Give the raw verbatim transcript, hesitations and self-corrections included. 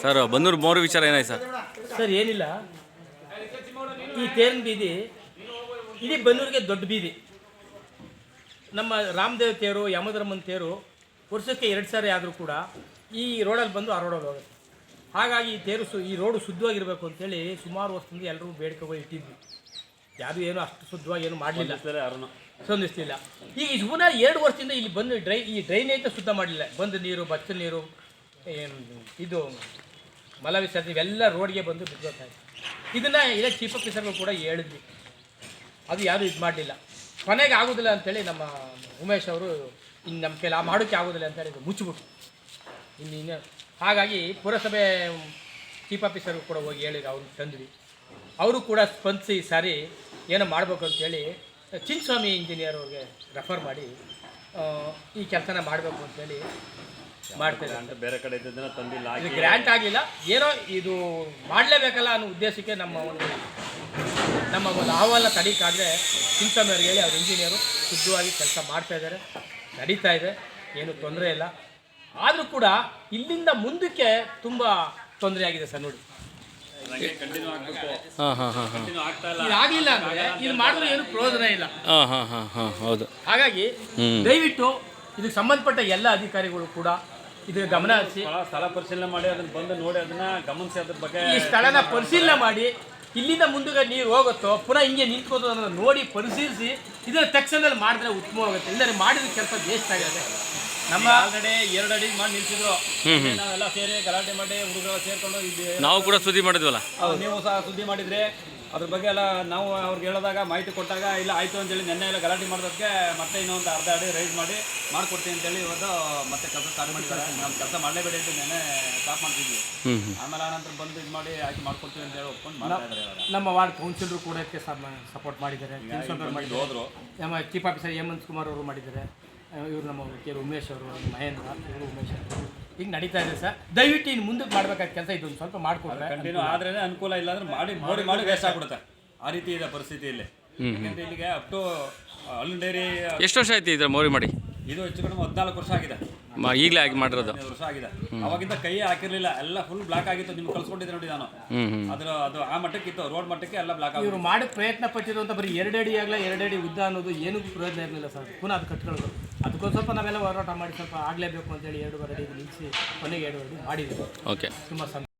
Sir Bannur ಮೋರು ವಿಚಾರ ಏನಾಯ್ತು sir? Sir ಏನಿಲ್ಲ, ಈ ತೇರಿನ ಬೀದಿ ಇಡೀ ಬನ್ನೂರಿಗೆ ದೊಡ್ಡ ಬೀದಿ. ನಮ್ಮ ರಾಮದೇವ್ ತೇರು, ಯಮಧರ್ಮನ ತೇರು ವರ್ಷಕ್ಕೆ ಎರಡು ಸಾರಿ ಆದರೂ ಕೂಡ ಈ ರೋಡಲ್ಲಿ ಬಂದು ಆ ರೋಡಲ್ಲಿ ಹೋಗುತ್ತೆ. ಹಾಗಾಗಿ ಈ ತೇರು ಸು ಈ ರೋಡು ಶುದ್ಧವಾಗಿರಬೇಕು ಅಂತೇಳಿ ಸುಮಾರು ವರ್ಷದಿಂದ ಎಲ್ಲರೂ ಬೇಡಿಕೆಗಳು ಇಟ್ಟಿದ್ವಿ. ಯಾವುದು ಏನು ಅಷ್ಟು ಶುದ್ಧವಾಗಿ ಏನು ಮಾಡಲಿಲ್ಲ, ಸ್ಪಂದಿಸ್ತಿಲ್ಲ. ಈಗ ಸುಮಾರು ಎರಡು ವರ್ಷದಿಂದ ಇಲ್ಲಿ ಬಂದು ಡ್ರೈ ಈ ಡ್ರೈನೇಜ್ ಶುದ್ಧ ಮಾಡಲಿಲ್ಲ. ಬಂದು ನೀರು, ಬಚ್ಚಲ ನೀರು, ಏನು ಇದು ಮಲ ವಿಸರ್ಜನೆ ಇವೆಲ್ಲ ರೋಡ್ಗೆ ಬಂದು ಬಿದ್ದೋಗ್ತಾಯಿದೆ. ಇದನ್ನು ಇಲ್ಲ ಚೀಫ್ ಆಫೀಸರ್ಗಳು ಕೂಡ ಹೇಳಿದ್ವಿ, ಅದು ಯಾರೂ ಇದು ಮಾಡಲಿಲ್ಲ. ಕೊನೆಗೆ ಆಗೋದಿಲ್ಲ ಅಂಥೇಳಿ ನಮ್ಮ ಉಮೇಶ್ ಅವರು ಇನ್ನು ನಮ್ಮ ಕೈಲಿ ಆ ಮಾಡೋಕ್ಕೆ ಆಗೋದಿಲ್ಲ ಅಂತೇಳಿ ಇದು ಮುಚ್ಚಿಬಿಟ್ಟು ಇನ್ನು ಇನ್ನು ಹಾಗಾಗಿ ಪುರಸಭೆ ಚೀಫ್ ಆಫೀಸರ್ಗಳು ಕೂಡ ಹೋಗಿ ಹೇಳಿದ್ರು, ಅವ್ರಿಗೆ ತಂದ್ವಿ. ಅವರು ಕೂಡ ಸ್ಪಂದಿಸಿ ಸಾರಿ ಏನೋ ಮಾಡಬೇಕು ಅಂತೇಳಿ ಚಿನ್ನಸ್ವಾಮಿ ಇಂಜಿನಿಯರ್ ಅವ್ರಿಗೆ ರೆಫರ್ ಮಾಡಿ ಈ ಕೆಲಸನ ಮಾಡಬೇಕು ಅಂತೇಳಿ ಮಾಡ್ತಾರೆ. ಅಂತ ಬೇರೆ ಕಡೆ ಇದ್ದದನ್ನ ತಂದಿಲ್ಲ, ಇದು ಗ್ರ್ಯಾಂಟ್ ಆಗಲಿಲ್ಲ, ಏನೋ ಇದು ಮಾಡಲೇಬೇಕಲ್ಲ ಅನ್ನೋ ಉದ್ದೇಶಕ್ಕೆ ನಮ್ಮ ಒಂದು ನಮ್ಮ ಒಂದು ಅಹವಾಲನ್ನ ತಡೀಕಾದರೆ ಚಿನ್ನಸ್ವಾಮಿ ಅವ್ರಿಗೆ ಹೇಳಿ ಅವ್ರ ಇಂಜಿನಿಯರು ಶುದ್ಧವಾಗಿ ಕೆಲಸ ಮಾಡ್ತಾಯಿದ್ದಾರೆ, ನಡೀತಾ ಇದೆ, ಏನು ತೊಂದರೆ ಇಲ್ಲ. ಆದರೂ ಕೂಡ ಇಲ್ಲಿಂದ ಮುಂದಕ್ಕೆ ತುಂಬ ತೊಂದರೆ ಆಗಿದೆ ಸರ್. ನೋಡಿ, ಕಂಟಿನ್ಯೂ ಆಗಬೇಕು. ಹಾಂ ಹಾಂ ಹಾಂ ಹಾಂ ಇದಾಗಲಿಲ್ಲ ಅಂದರೆ ಇದು ಮಾಡಿದ್ರೆ ಏನು ಪ್ರಯೋಜನ ಇಲ್ಲ. ಹಾಂ ಹಾಂ ಹಾಂ ಹಾಂ ಹೌದು. ಹಾಗಾಗಿ ದಯವಿಟ್ಟು ಇದಕ್ಕೆ ಸಂಬಂಧಪಟ್ಟ ಎಲ್ಲ ಅಧಿಕಾರಿಗಳು ಕೂಡ ಇದಕ್ಕೆ ಗಮನ ಹರಿಸಿ ಸ್ಥಳ ಪರಿಶೀಲನೆ ಮಾಡಿ ಅದನ್ನ ಬಂದು ನೋಡಿ ಅದನ್ನ ಗಮನಿಸಿ ಅದ್ರ ಬಗ್ಗೆ ಈ ಸ್ಥಳನ ಪರಿಶೀಲನೆ ಮಾಡಿ ಇಲ್ಲಿಂದ ಮುಂದೆ ನೀರು ಹೋಗುತ್ತೋ ಪುನಃ ಹಿಂಗೆ ನಿಂತ್ಕೋತೋ ಅನ್ನೋದನ್ನು ನೋಡಿ ಪರಿಶೀಲಿಸಿ ಇದರ ತಕ್ಷಣದಲ್ಲಿ ಮಾಡಿದ್ರೆ ಉತ್ತಮವಾಗುತ್ತೆ. ಇಲ್ಲದೆ ಮಾಡಿದ ಕೆಲಸ ವೇಸ್ಟ್ ಆಗಿದೆ. ನಮ್ಮ ಆಲ್ರೆಡಿ ಎರಡು ಅಡಿ ಮಾಡಿ ನಿಲ್ಸಿದ್ರು, ನಾವೆಲ್ಲ ಸೇರಿ ಗಲಾಟೆ ಮಾಡಿ ಹುಡುಗರು ಸೇರ್ಕೊಂಡು ಇದ್ದೀವಿ. ನಾವು ಕೂಡ ಸುದ್ದಿ ಮಾಡಿದ್ವಲ್ಲ, ನೀವು ಸಹ ಸುದ್ದಿ ಮಾಡಿದ್ರೆ ಅದ್ರ ಬಗ್ಗೆ ಎಲ್ಲ ನಾವು ಅವ್ರಿಗೆ ಹೇಳಿದಾಗ ಮಾಹಿತಿ ಕೊಟ್ಟಾಗ ಇಲ್ಲ ಆಯಿತು ಅಂತೇಳಿ ನೆನ್ನೆ ಎಲ್ಲ ಗಲಾಟೆ ಮಾಡೋದಕ್ಕೆ ಮತ್ತೆ ಇನ್ನೊಂದು ಅರ್ಧ ಅಡಿ ರೈಸ್ ಮಾಡಿ ಮಾಡಿಕೊಡ್ತೀನಿ ಅಂತೇಳಿ ಇವತ್ತು ಮತ್ತೆ ಕೆಲಸ ಸ್ಟಾರ್ಟ್ ಮಾಡಿದ್ದಾರೆ. ನಮ್ಮ ಕೆಲಸ ಮಾಡಲೇಬೇಡಿ ಅಂತ ನೆನ್ನೆ ಸ್ಟಾಪ್ ಮಾಡ್ತಿದ್ವಿ. ಆಮೇಲೆ ಆನಂತರ ಬಂದು ಇದು ಮಾಡಿ ಆಯ್ಕೆ ಮಾಡ್ಕೊಡ್ತೀವಿ ಅಂತೇಳಿ ಒಪ್ಕೊಂಡು ಮಾಡ್ತಾ ಇದ್ದಾರೆ. ನಮ್ಮ ವಾರ್ಡ್ ಕೌನ್ಸಿಲರು ಕೂಡ ಇದಕ್ಕೆ ಸಪೋರ್ಟ್ ಮಾಡಿದ್ದಾರೆ, ಹೋದ್ರು. ನಮ್ಮ ಚೀಫ್ ಆಫೀಸರ್ ಹೇಮಂತ್ ಕುಮಾರ್ ಅವರು ಮಾಡಿದ್ದಾರೆ, ಇವರು ನಮ್ಮ ಕೆ ಉಮೇಶ್ ಅವರು, ಮಹೇಂದ್ರ ಇವರು ಉಮೇಶ್ ಅವರು ಈಗ ನಡೀತಾ ಇದೆ ಸರ್. ದಯವಿಟ್ಟು ಇನ್ನು ಮುಂದಕ್ಕೆ ಮಾಡಬೇಕಾದ ಕೆಲಸ ಇದೊಂದು ಸ್ವಲ್ಪ ಮಾಡಿಕೊಡ್ರೆ ಕಂಟಿನ್ಯೂ ಆದ್ರೆ ಅನುಕೂಲ, ಇಲ್ಲ ಅಂದ್ರೆ ಮಾಡಿ ಮಾಡಿ ಮಾಡಿ ವೇಸ್ಟ್ ಆಗ್ಬಿಡುತ್ತೆ. ಆ ರೀತಿ ಇದೆ ಪರಿಸ್ಥಿತಿಯಲ್ಲಿ. ಯಾಕಂದ್ರೆ ಇಲ್ಲಿಗೆ ಅಪ್ ಟು ಹಾಲಿನ ಡೈರಿ ಎಷ್ಟು ವರ್ಷ ಆಯ್ತು ಇದ್ರ ಮೋರಿ ಮಾಡಿ? ಇದು ಹೆಚ್ಚು ಕಡಿಮೆ ಹದಿನಾಲ್ಕು ವರ್ಷ ಆಗಿದೆ. ಈಗಲೇ ಆಗಿ ಮಾಡಿರೋದು ವರ್ಷ ಆಗಿದೆ. ಅವಾಗಿಂದ ಕೈ ಹಾಕಿರ್ಲಿಲ್ಲ, ಎಲ್ಲ ಫುಲ್ ಬ್ಲಾಕ್ ಆಗಿತ್ತು. ನಿಮ್ಗೆ ಕಳ್ಸ್ಕೊಂಡಿದ್ದೆ ನೋಡಿ ನಾನು. ಅದ್ರ ಅದು ಆ ಮಟ್ಟಕ್ಕೆ ಇತ್ತು, ರೋಡ್ ಮಟ್ಟಕ್ಕೆ ಎಲ್ಲ ಬ್ಲಾಕ್ ಆಗಿ. ಇವರು ಮಾಡಿ ಪ್ರಯತ್ನ ಪಟ್ಟಿರುವಂಥ ಬರೀ ಎರಡು ಅಡಿ ಆಗಲ್ಲ ಎರಡು ಅಡಿ ಉದ್ದ ಅನ್ನೋದು ಏನೂ ಪ್ರಯೋಜನ ಇರಲಿಲ್ಲ ಸರ್. ಪುನಃ ಅದು ಕಟ್ಕೊಳ್ಳೋದು ಅದಕ್ಕೊಂದು ಸ್ವಲ್ಪ ನಾವೆಲ್ಲ ಹೋರಾಟ ಮಾಡಿ ಸ್ವಲ್ಪ ಆಗಲೇಬೇಕು ಅಂತೇಳಿ ಎರಡೂವರೆ ಅಡಿ ನಿಲ್ಲಿಸಿ ಕೊನೆಗೆ ಎರಡು ಅಡಿ ಮಾಡಿದ್ವಿ. ಓಕೆ, ತುಂಬ ಸಂತೋಷ.